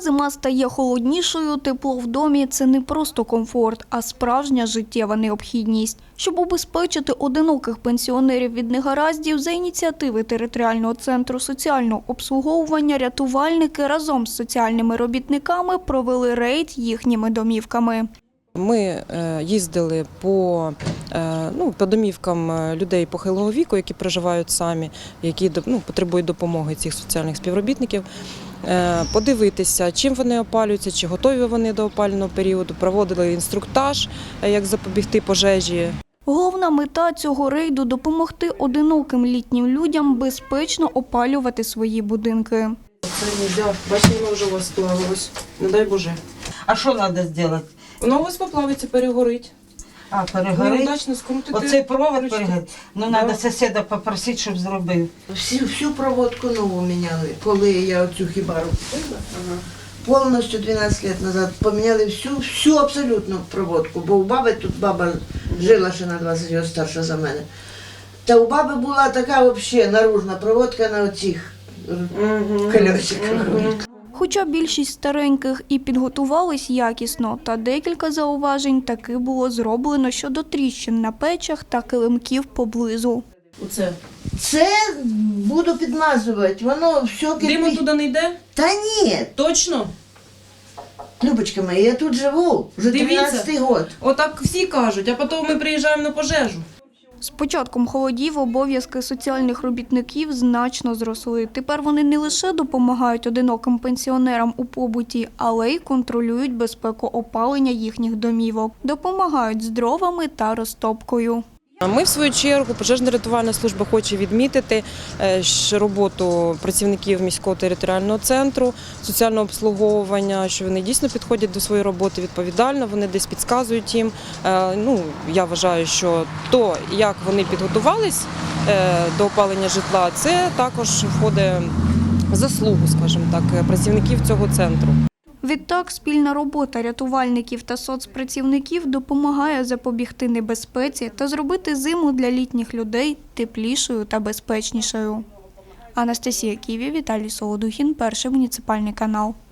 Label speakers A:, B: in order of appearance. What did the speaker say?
A: зима стає холоднішою, тепло в домі – це не просто комфорт, а справжня життєва необхідність. Щоб убезпечити одиноких пенсіонерів від негараздів, за ініціативи територіального центру соціального обслуговування рятувальники разом з соціальними робітниками провели рейд їхніми домівками.
B: Ми їздили по домівкам людей похилого віку, які проживають самі, які потребують допомоги цих соціальних співробітників, подивитися, чим вони опалюються, чи готові вони до опалювального періоду, проводили інструктаж, як запобігти пожежі.
A: Головна мета цього рейду – допомогти одиноким літнім людям безпечно опалювати свої будинки.
B: Це нельзя, бачите, воно вже у вас сплавилось, не дай Боже.
C: А що треба зробити?
B: Воно у вас поплавиться, перегорить.
C: А, перегорить?
B: Неудачно скрутити.
C: Оцей провод перегорить? Ну, треба сусіда попросити, щоб зробив.
D: Всю проводку нову міняли, коли я оцю хібару купила. Повністю 12 років назад поміняли всю абсолютно проводку, бо у баби тут баба жила ще на 20 років старша за мене. Та у баби була така взагалі наружна проводка на оцих колесиках.
A: Хоча більшість стареньких і підготувались якісно, та декілька зауважень таки було зроблено щодо тріщин на печах та килимків поблизу.
D: Це буду підмазувати, воно все
E: Диму туди не йде?
D: Та ні,
E: Точно?
D: Любочка моя, я тут живу, вже 13-й год.
E: Отак всі кажуть, а потім ми приїжджаємо на пожежу.
A: З початком холодів обов'язки соціальних робітників значно зросли. Тепер вони не лише допомагають одиноким пенсіонерам у побуті, але й контролюють безпеку опалення їхніх домівок, допомагають з дровами та розтопкою.
B: Ми, в свою чергу, пожежно-рятувальна служба хоче відмітити роботу працівників міського територіального центру соціального обслуговування, що вони дійсно підходять до своєї роботи відповідально, вони десь підказують їм. Я вважаю, що то, як вони підготувались до опалення житла, це також входить в заслугу, скажімо так, працівників цього центру.
A: Відтак, спільна робота рятувальників та соцпрацівників допомагає запобігти небезпеці та зробити зиму для літніх людей теплішою та безпечнішою. Анастасія Ківі, Віталій Солодухін, Перший муніципальний канал.